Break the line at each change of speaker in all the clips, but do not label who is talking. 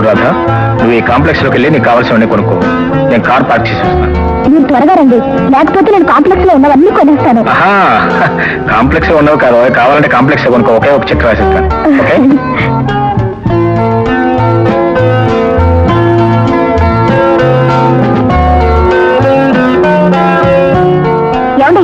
రాధా, నువ్వు ఈ కాంప్లెక్స్ లోకి వెళ్ళి నీకు కావాల్సినవన్నీ కొనుక్కో. నేను కార్ పార్క్ చేసి వస్తాను.
మీరు త్వరగా రండి, లేకపోతే నేను కాంప్లెక్స్ లో ఉన్నవన్నీ కొనేస్తాను.
కాంప్లెక్స్ లో ఉన్నవి కాదు, కావాలంటే కాంప్లెక్స్ లో కొనుక్కో. ఒకే ఒక చెక్ రాసిస్తాను. ఓకే
ఏమండి,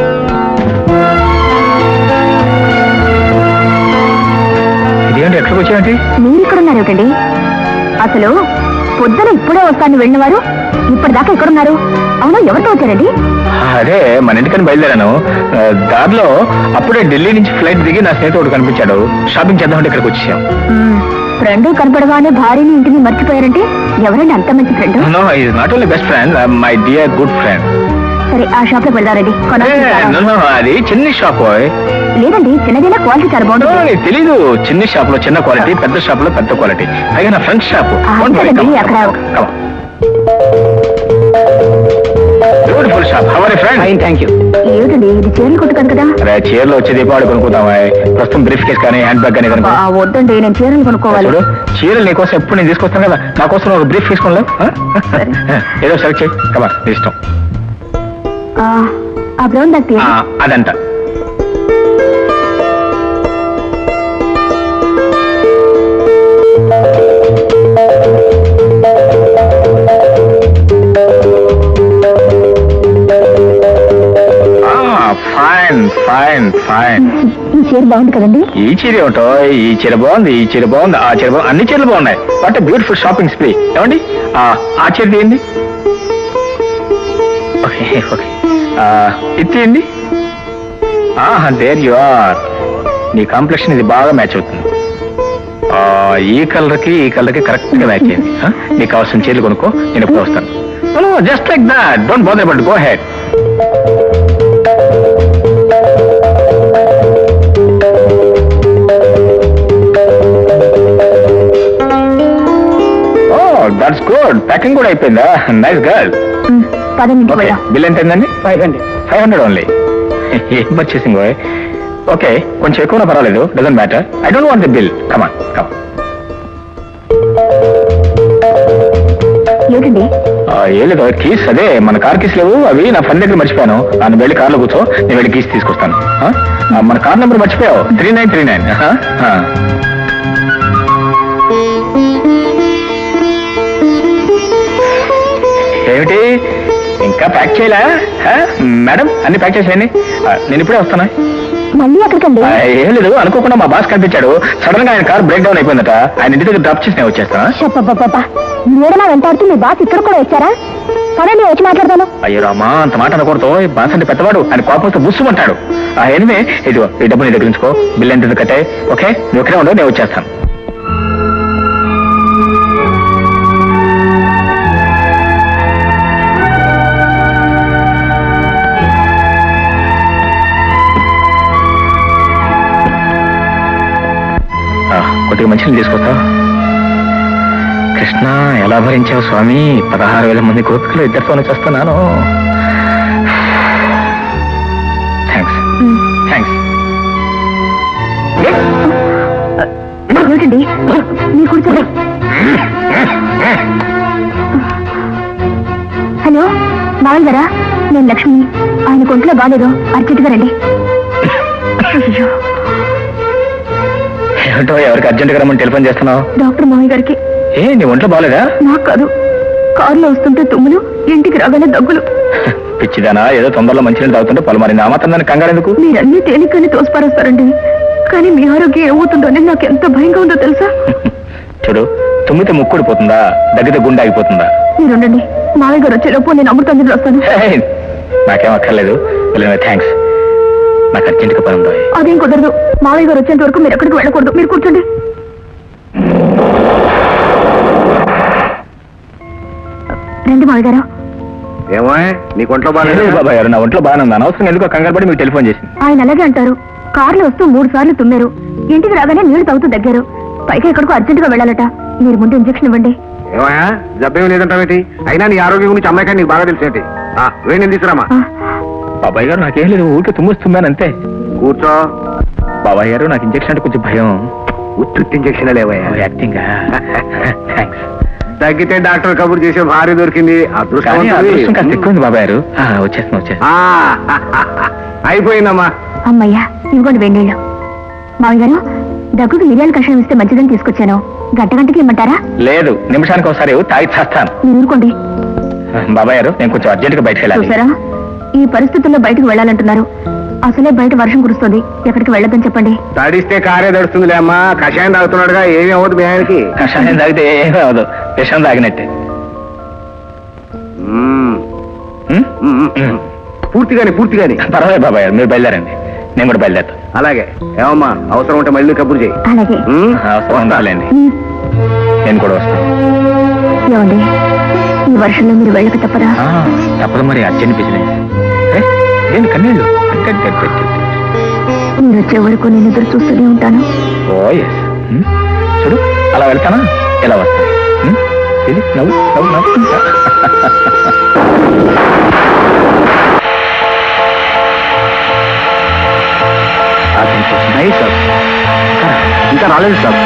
ఇదేంటి ఎక్కడికి వచ్చాయండి?
మీరు ఇక్కడున్నారు ఏమిటండి? అసలు పొద్దున ఇప్పుడే వస్తాను వెళ్ళిన వారు ఇప్పటిదాకా ఎక్కడున్నారు? అవునా, ఎవరితో వచ్చారండి?
అదే మన ఇంటికని బయలుదేరాను. దారిలో అప్పుడే ఢిల్లీ నుంచి ఫ్లైట్ దిగి నా స్నేహితుడు కనిపించాడు. షాపింగ్ చేద్దామంటే ఇక్కడికి వచ్చేసాం.
ఫ్రెండ్ కనపడగానే భార్యని ఇంటిని మర్చిపోయారంటే ఎవరండి అంత మంచి friend?
No, is not only best friend, my dear good friend.
సరే, ఆ షాప్ లో వెళ్దారండి.
అది చిన్న షాప్.
లేదండి, చిన్నదైనా క్వాలిటీ చాలా బాగుంటుంది.
తెలీదు, చిన్న షాప్ లో చిన్న క్వాలిటీ, పెద్ద షాప్ లో పెద్ద క్వాలిటీ. పైగా నా friend shop. Beautiful shop. How are you friend? Fine, thank you.
ఏమిటండి ఇది, చీరలు కొట్టుకాను కదా?
అరే, చీరలు వచ్చే దీపావళి కొనుక్కుందామా? ప్రస్తుతం బ్రీఫ్ కేస్ కానీ హ్యాండ్ బ్యాగ్ కానీ కనుక.
వద్దండి, నేను చీరలు కొనుక్కోవాలి.
చీరలు నీకోసం ఎప్పుడు నేను తీసుకొస్తాను కదా, నా కోసం ఒక బ్రీఫ్ తీసుకోలేదు. ఏదో సెలెక్ట్ చేయి. కమా, నీ ఇష్టం.
ఆ బ్రౌన్ బ్యాగ్
అదంట. Fine fine fine.
ఈ చీర బాగుంది కదండి?
ఈ చీర ఏమిటో, ఈ చీర బాగుంది, ఈ చీర బాగుంది, ఆ చీర బాగుంది, అన్ని చీరలు బాగున్నాయి. What a beautiful shopping spree. ఏమండి ఆ చీర తీయండి. ఓకే ఓకే, ఇది తీయండి. There you are. నీ కాంప్లెక్షన్ ఇది బాగా మ్యాచ్ అవుతుంది. ఈ కలర్కి ఈ కలర్కి కరెక్ట్ గా మ్యాచ్ అయింది. నీకు కావాల్సిన చీరలు కొనుక్కో, నేను ఎప్పుడు వస్తాను. Just like that, don't bother about, go ahead. That's good. Packing కూడా అయిపోయిందా? Nice girl. బిల్ ఎంత అయిందండి? 500 ఓన్లీ. ఏం పర్చేసింగ్? ఓకే, కొంచెం ఎక్కువ పర్వాలేదు, doesn't matter. I don't want the bill. Come on come on.
ఏంటండి?
ఏం లేదు, కీస్ అదే మన కార్ కీస్ లేవు, అవి నా ఫ్రెండ్ దగ్గర మర్చిపోయాను. నన్ను వెళ్ళి కార్లో కూర్చో, నేను వెళ్ళి కీస్ తీసుకొస్తాను. మన కార్ నెంబర్ మర్చిపోయావు, 3939. ఏమిటి ఇంకా ప్యాక్ చేయలే? మేడం, అన్ని ప్యాక్ చేసేయండి, నేను ఇప్పుడే వస్తాను.
మళ్ళీ ఎక్కడికండి?
ఏం లేదు, అనుకోకుండా మా బాస్ కనిపించాడు. సడన్ గా ఆయన కార్ బ్రేక్ డౌన్ అయిపోయిందట. ఆయన ఇంటి దగ్గర డ్రాప్ చేసి నేను వచ్చేస్తాను.
మీరలా వెంటాడుతూ మీ బాస్ ఇక్కడ కూడా వచ్చారా? సరే, నేను వచ్చి మాట్లాడతాను.
అయ్యో రామా, అంత మాట అనకూడదు. బాస్ అంటే పెద్దవాడు, ఆయన కోపంతో బుస్సుమంటాడు. ఎనివే, ఇదిగో ఈ డబ్బు నీ దగ్గర ఉంచుకో. బిల్ ఎంత కట్టే. ఓకే, నువ్వు ఇక్కడే ఉండవు, నేను వచ్చేస్తాను. కొద్దిగా మంచిని తీసుకొస్తావు? కృష్ణ, ఎలా భరించావు స్వామి? 16,000 మంది గోపికలు ఇద్దరితోనే చేస్తున్నాను. Thanks thanks.
ఏమిటండి మీరు కూర్చోండి. హలో మావయ్య గారా, నేను లక్ష్మి. ఆయన కొంట్లో బాగాలేదు, అర్జెంటుగా రండి.
ఏమిటో, ఎవరికి అర్జెంటుగా రమ్మని టెలిఫోన్ చేస్తున్నావు?
డాక్టర్ మావయ్య గారికి.
ఏ, నీ ఒంట్లో బాగాలేదా?
నాకు కాదు, కారులో వస్తుంటే తుమ్ములు, ఇంటికి రాగానే దగ్గులు.
పిచ్చిదానా, ఏదో తొందరలో మంచినీళ్ళు తాగుతుంటే పొలమారింది. ఆ మాత్రం దాన్ని కంగారెందుకు?
మీరన్నీ తేలికని తోసిపారేస్తారండి, కానీ మీ ఆరోగ్యం ఏమవుతుందని నాకు ఎంత భయంగా ఉందో తెలుసా?
చూడు, తుమ్మితే ముక్కుడిపోతుందా, దగ్గితే గుండె ఆగిపోతుందా?
మీరుండండి, మావయ్య గారు వచ్చేలోపు నేను అమృతాంజలి వస్తాను.
నాకేం అక్కర్లేదు. థ్యాంక్స్, నాకు అర్జెంటుగా పని ఉందా?
అదేం కుదరదు. మావయ్య గారు వచ్చేంత వరకు మీరు ఎక్కడికి వెళ్ళకూడదు. మీరు కూర్చోండి. రండి మావయ్య గారు.
ఏమో, నీకు ఒంట్లో బాగాలేదు? బాబాయ్ గారు, నా ఒంట్లో బాగానే ఉంది. అనవసరం ఎందుకు కంగారు పడి మీకు టెలిఫోన్ చేసింది.
ఆయన అలాగే అంటారు. కారులో వస్తూ 3 సార్లు తుమ్మారు, ఇంటికి రాగానే నీళ్లు తాగుతూ దగ్గారు. పైగా ఎక్కడికో అర్జెంటుగా వెళ్ళాలట. మీరు ముందు ఇంజక్షన్ ఇవ్వండి.
ఏమయ్యా, జబ్బేం లేదంటావేంటి? అయినా నీ ఆరోగ్యం గురించి అమ్మాయి నీకు బాగా తెలిసేంటి? వేడి తీసుకురామా.
బాబాయ్ గారు, నాకేం లేదు, ఊరికే తుమ్మొస్తున్నాను అంతే.
కూర్చో.
బాబాయ్ గారు, నాకు ఇంజక్షన్ అంటే కొంచెం భయం.
ఉత్తుత్తి ఇంజక్షన్ లేవయ్యా
యాక్టింగ్ థ్యాంక్స్.
తగ్గితే డాక్టర్ కబుర్ చేసే భార్య దొరికింది.
కానీ అదృష్టం కాస్త ఎక్కువ
అదృష్టం
ఉంది బాబాయ్ గారు. వచ్చేస్తున్నా.
అయిపోయిందమ్మా.
అమ్మయ్యా ఇవ్వండి వెన్నీళ్ళు. మామయ్య గారు దగ్గుకి మిరియాల కషాయం ఇస్తే మంచిదని తీసుకొచ్చాను. గంటకి ఇమ్మంటారా?
లేదు, నిమిషానికి ఒకసారి తాగి చేస్తాను.
మీరు ఊరుకోండి.
బాబాయ్ గారు నేను కొంచెం అర్జెంట్గా బయటకు వెళ్ళాలి.
చూసారా, ఈ పరిస్థితుల్లో బయటకు వెళ్ళాలంటున్నారు. అసలే బయట వర్షం కురుస్తుంది. ఎక్కడికి వెళ్ళొద్దని చెప్పండి.
తడిస్తే కారే తడుస్తుందిలే అమ్మా. కషాయం తాగుతున్నాడుగా, ఏమి అవ్వదు మీ ఆయనకి.
కషాయం తాగితే ఏమీ అవదు, విషం తాగినట్టే.
మ్మ్.
ఉం?
మ్మ్. పూర్తిగానే పూర్తిగానే.
పర్వాలేదు బాబాయ్ గారు, మీరు బయలుదేరండి, నేను కూడా బయలుదేరుతాను.
అలాగే. ఏమమ్మా, అవసరం ఉంటే మళ్ళీ కబుర్ చేయి.
అలాగే.
మ్మ్?
అవసరం ఉండాలండి,
ఉమ్,
నేను కూడా వస్తాను.
ఏమండి ఈ వర్షంలో మీరు వెళ్ళక తప్పదా?
తప్పదు మరి, అర్జెంట్ బిజినెస్. నేను కన్నీళ్ళు.
మీరు వచ్చే వరకు నేను ఎదురు చూస్తూనే ఉంటాను.
Oh yes. చూడు, అలా వెళ్తానా, ఎలా వస్తాను. ఇది నవ్వు నవ్వు నవ్వు. Nice sir.
ఇంకా రాలేదు సార్.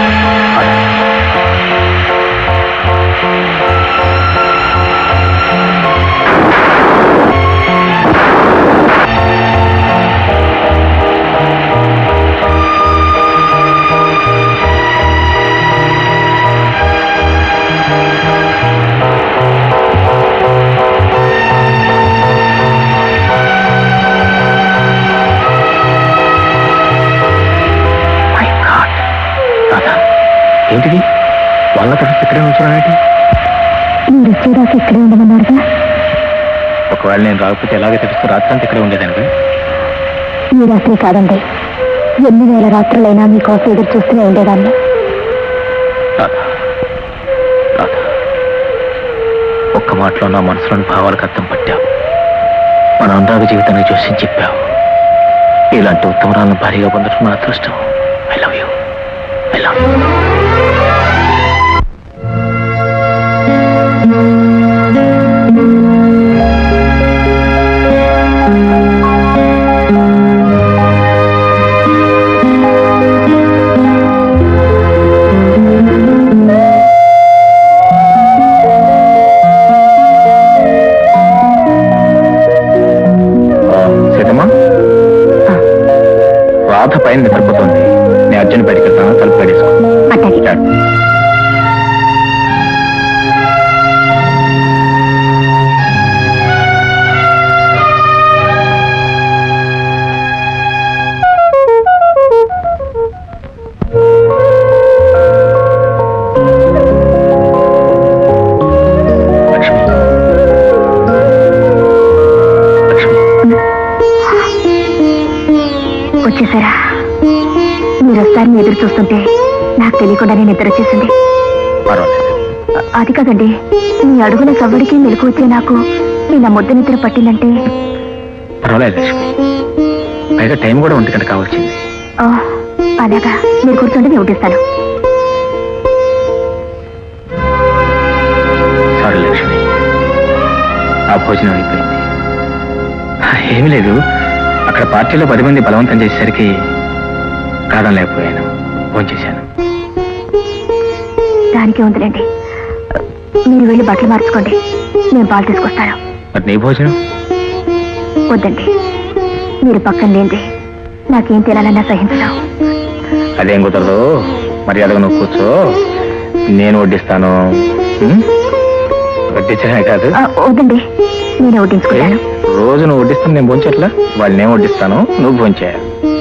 ఏంటిది, వాళ్ళ తరఫు ఇక్కడే ఉంచున్నానంటే?
మీరు వచ్చేదాకా ఇక్కడే ఉండమన్నారుగా.
ఒకవేళ నేను రాకపోతే ఎలాగే తెలుస్తూ రాత్రంతా ఇక్కడే ఉండేదానిగా.
ఈ రాత్రి కాదండి, ఎన్ని వేల రాత్రులైనా మీకోసం ఎదురు చూస్తూనే ఉండేదాన్ని.
రాధా, రాధా, ఒక్క మాటలో నా మనసులోని భావాలకు అర్థం పట్టావు. మన అనురాగ జీవితాన్ని చూసి చెప్పావు. ఇలాంటి ఉత్తమరాలను భారీగా పొందడం నా అదృష్టం. I love you, I love you. Radha పైన నిద్రపోతుంది. నేను అర్జెంట్ బయటకు వెళ్తాను, తలుపు కడేసుకో.
అట్టాగే.
లక్ష్మి, లక్ష్మి,
వచ్చేసారా? మీరు వస్తారని ఎదురు చూస్తుంటే నాకు తెలియకుండానే నిద్ర వచ్చేసింది.
పర్వాలేదు.
అది కాదండి, మీ అడుగుల సవ్వడికి మెలకు వచ్చే నాకు నిన్న ముద్ద నిద్ర పట్టిందంటే.
పర్వాలేదు లక్ష్మి, పైగా టైం కూడా 1 గంట కావాల్సింది.
ఓ, అలాగా. మీరు కూర్చోండి, నేను ఉట్టిస్తాను.
సారీ లక్ష్మి, ఆ భోజనం అయిపోయింది. ఏమీ లేదు, అక్కడ పార్టీలో 10 మంది బలవంతం చేసేసరికి కాదనలేకపోయాను, ఫోన్ చేశాను.
దానికే ఉందిలేండి. మీరు వెళ్ళి బట్టలు మార్చుకోండి, నేను పాలు తీసుకొస్తాను.
మరి నీ భోజనం?
వద్దండి, మీరు పక్కన లేండి నాకేం తినాలన్నా సహించడం.
అదేం కుదరదు, మర్యాదగా నువ్వు కూర్చో, నేను వడ్డిస్తాను. వడ్డించడమే కాదు.
వద్దండి, నేనే వడ్డించుకుంటాను.
రోజు నువ్వు వడ్డిస్తాను, నేను భోంచేట్లా? వాళ్ళు నేను వడ్డిస్తాను, నువ్వు భోంచేయాలి.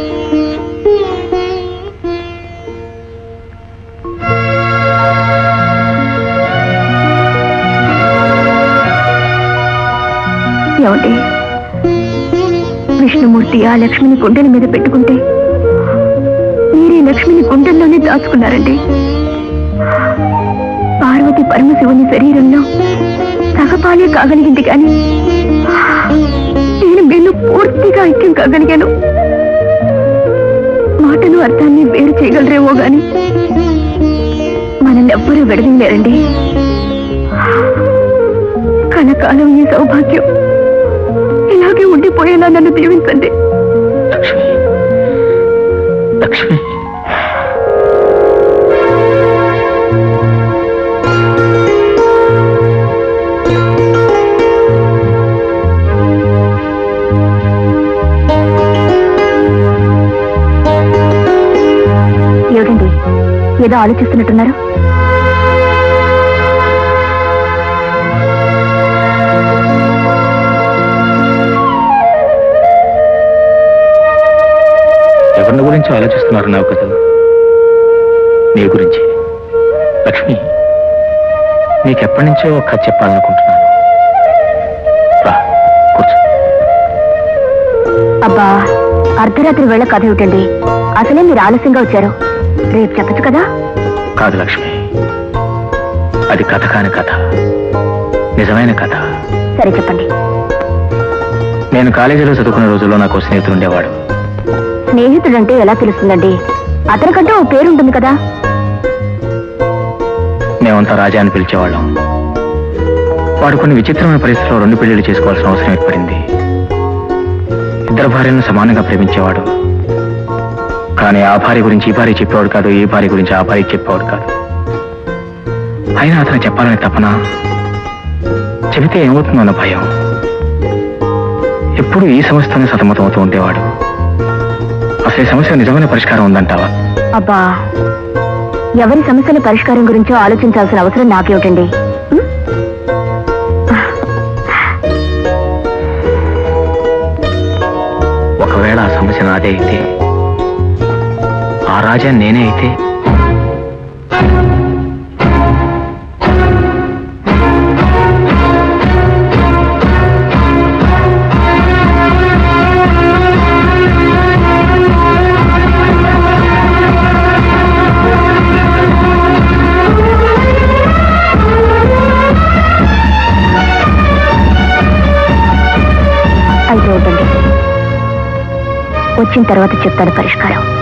ఏమండి, విష్ణుమూర్తి ఆ లక్ష్మిని గుండెల మీద పెట్టుకుంటే మీరే లక్ష్మిని గుండెల్లోనే దాచుకున్నారండి. పార్వతి పరమశివుని శరీరంలో సగపాలే కాగలిగింది కానీ నేను మీలో పూర్తిగా ఐక్యం కాగలిగాను. మాటలు అర్థాన్ని వేరు చేయగలరేమో గాని మనల్ని ఎవ్వరూ విడదీయలేరండి. కనకాలం ఈ సౌభాగ్యం ఇలాగే ఉండిపోయేలా నన్ను దీవించండి.
లక్ష్మి, లక్ష్మి,
ఏదో ఆలోచిస్తున్నట్టున్నారు.
ఎవరిని గురించి ఆలోచిస్తున్నారు నాకు కదా, నీ గురించి. లక్ష్మి, నీకెప్పటి నుంచో ఒక కథ చెప్పాలనుకుంటున్నాను. రా, కూర్చో.
అబ్బా, అర్ధరాత్రి వేళ కథ ఏమిటండి? అసలే మీరు ఆలస్యంగా వచ్చారు. రేపు చెప్పచ్చు కదా.
కాదు లక్ష్మి, అది కథ కాని కథ, నిజమైన కథ.
సరే చెప్పండి.
నేను కాలేజీలో చదువుకునే రోజుల్లో నాకు ఓ స్నేహితుడు ఉండేవాడు.
స్నేహితుడంటే ఎలా తెలుస్తుందండి? అతనికంటే ఓ పేరుంటుంది కదా.
మేమంతా రాజా అని పిలిచేవాళ్ళం. వాడు కొన్ని విచిత్రమైన పరిస్థితుల్లో 2 పెళ్లిళ్ళు చేసుకోవాల్సిన అవసరం ఏర్పడింది. 2 భార్యలను సమానంగా ప్రేమించేవాడు. కానీ ఆ భార్య గురించి ఈ భార్య చెప్పేవాడు కాదు, ఈ భార్య గురించి ఆ భార్య చెప్పేవాడు కాదు. అయినా అతను చెప్పాలని తపన, చెబితే ఏమవుతుందో అన్న భయం. ఎప్పుడు ఈ సమస్యతోనే సతమతమవుతూ ఉండేవాడు. అసలు ఈ సమస్య నిజమైన పరిష్కారం ఉందంటావా?
అబ్బా, ఎవరి సమస్యల పరిష్కారం గురించో ఆలోచించాల్సిన అవసరం నాకేమిటండి? ఉం?
ఒకవేళ ఆ సమస్య నాదే అయితే, ఆ రాజా నేనే అయితే,
అయితే వద్దండి, వచ్చిన తర్వాత చెప్తాను పరిష్కారం.